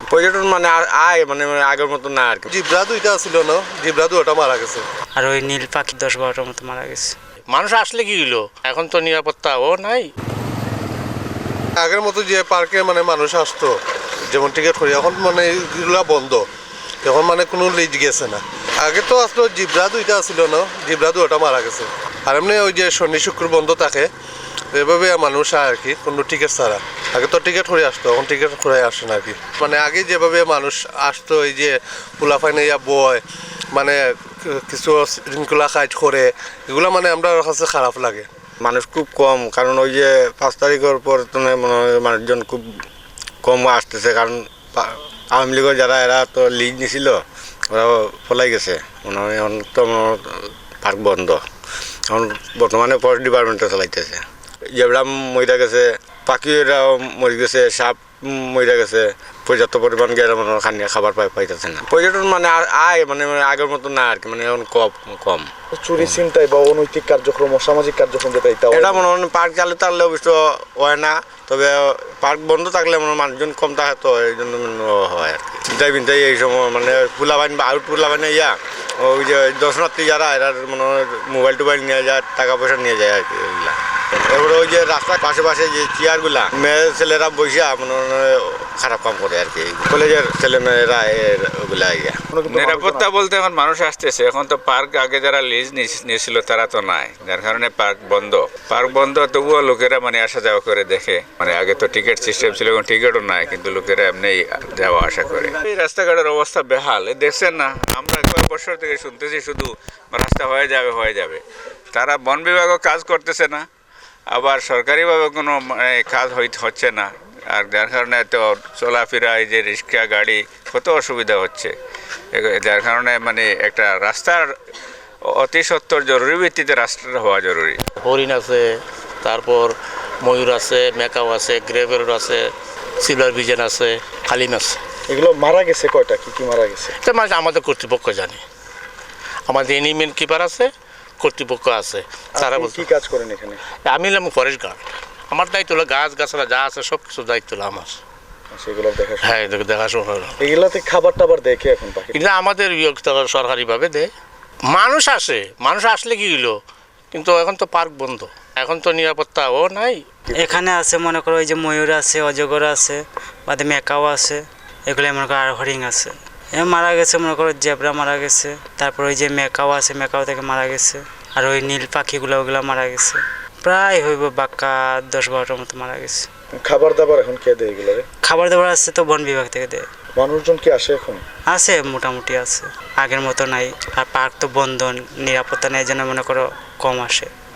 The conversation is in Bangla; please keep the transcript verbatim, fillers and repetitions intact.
পর্যটন মানে আর আয় মানে মানে আগের মতো না আর কি। জিব্রা দুইটা ছিল না, জিব্রা দুইটা মারা গেছে। আর ওই নীল পাখি দশ বারোটার মতো মারা গেছে। মানুষ আসলে কি হলো, এখন তো নিরাপত্তাও নাই। আগের মতো যে পার্কে মানে মানুষ আসতো যেমন টিকিট করি, এখন মানে এগুলা বন্ধ, এখন মানে কোনো লিজ গেছে না। আগে তো আসলো জিব্রা দুইটা ছিল না, জিব্রা দুইটা মারা গেছে। আর এমনি ওই যে শনি শুক্র বন্ধ থাকে, এভাবে মানুষ আয় আর কি, কোনো টিকিট ছাড়া। আগে তো টিকিট করে আসতো, এখন টিকিট করে আসে না আর কি। মানে আগে যেভাবে মানুষ আসতো, এই যে পোলাফাইনে ইয়া বয়, মানে কিছু শৃঙ্খলা কাজ করে, এগুলো মানে আমরা কাছে খারাপ লাগে। মানুষ খুব কম, কারণ ওই যে পাঁচ তারিখের পর তো মনে হয় মানুষজন খুব কম আসতেছে, কারণ আওয়ামী লীগের যারা এরা তো লিজ নিছিল, ওরা পলাই গেছে। মনে হয় এখন তো পার্ক বন্ধ, এখন বর্তমানে ফরেস্ট ডিপার্টমেন্টে চালাইতেছে। জেবরা মরিয়া গেছে, পাখিরাও মরে গেছে, সাপ মরিয়া গেছে, পর্যাপ্ত পরিমাণ গেলে মনে হয় খানিয়া খাবার পাই পাইতেছে না। পর্যটন মানে আর আয় মানে মানে আগের মতো না আর কি, মানে এখন কম কম চুরি ছিনতাই বা অনৈতিক কার্যক্রম, সামাজিক কার্যক্রম যেটা এটা এটা মনে হয় পার্ক চালু থাকলে অবশ্য হয় না, তবে পার্ক বন্ধ থাকলে মনে হয় মানুষজন কম থাকে, তো এই জন্য হয় আর কি। চিন্তাই বিন্তাই এই সময় মানে পোলাবাইন বা আউট পোলাবাইনে ইয়া ওই যে দর্শনার্থী যারা এরা মনে হয় মোবাইল টোবাইল নিয়ে যায়, টাকা পয়সা নিয়ে যায় আর কি ওইগুলা। এবারে ওই যে রাস্তার পাশে পাশে যে চেয়ারগুলা মেয়ে ছেলেরা বসিয়া মনে হয় খারাপ কাম করে আর কি, কলেজের ছেলে মেয়েরা ওগুলা ইয়া। নিরাপত্তা বলতে এখন মানুষ আসতেছে, এখন তো পার্ক আগে যারা লিজ নিয়েছিল তারা তো নাই, যার কারণে পার্ক বন্ধ। পার্ক বন্ধ তবুও লোকেরা মানে আসা যাওয়া করে দেখে, মানে আগে তো টিকিট সিস্টেম ছিল, এখন টিকিটও নাই, কিন্তু লোকেরা এমনি যাওয়া আসা করে। এই রাস্তাঘাটের অবস্থা বেহাল, দেখছেন না, আমরা কয়েক বছর থেকে শুনতেছি শুধু রাস্তা হয়ে যাবে হয়ে যাবে। তারা বন বিভাগও কাজ করতেছে না, আবার সরকারিভাবে কোনো কাজ হচ্ছে না, আর যার কারণে তো চলাফেরা এই যে রিক্সা গাড়ি কত অসুবিধা হচ্ছে, যার কারণে মানে একটা রাস্তার অতি সত্বর জরুরি ভিত্তিতে রাস্তাটা হওয়া জরুরি। হরিণ আছে, তারপর ময়ূর আছে, মেকাও আছে, গ্রেভেল আছে, সিলভার ভিজন আছে, হালিম আছে। এগুলো মারা গেছে কয়টা, কি কি মারা গেছে? এটা মানে আমাদের কর্তৃপক্ষ জানে, আমাদের এনিমেন্ট কিপার আছে, কর্তৃপক্ষ আছে, তারা কি কাজ করেন এখানে? আমি হলাম ফরেস্ট গার্ড, আমার দায়িত্ব হলো গাছ গাছরা যা আছে সব কিছু দায়িত্ব হলো আমার। সেগুলো দেখাশোনা, হ্যাঁ দেখাশোনা হলো। এগুলাতে খাবার টাবার দেখে এখন পাখি কিন্তু আমাদের সরকারিভাবে দেয়। মানুষ আসে, মানুষ আসলে কি হলো, কিন্তু এখন তো পার্ক বন্ধ, এখন তো নিরাপত্তাও নাই। এখানে আছে মনে করো ওই যে ময়ূর আছে, অজগর আছে, বাদে মেকাও আছে, এগুলো মনে করো আর হরিণ আছে। এ মারা গেছে মনে করো জেব্রা মারা গেছে, তারপর ওই যে মেকাও আছে, মেকাও থেকে মারা গেছে। আর ওই নীল পাখিগুলো ওগুলো মারা গেছে, প্রায় হইব বাক্কা দশ বারোটার মতো মারা গেছে। খাবার দাবার এখন কে দেয় এগুলো? খাবার দাবার আছে তো বন বিভাগ থেকে দেয়। মানুষজন কি আসে এখন? আছে মোটামুটি আছে, আগের মতো নাই। আর পার্ক তো বন্ধ, নিরাপত্তা নেই, যেন মনে করো কম আসে।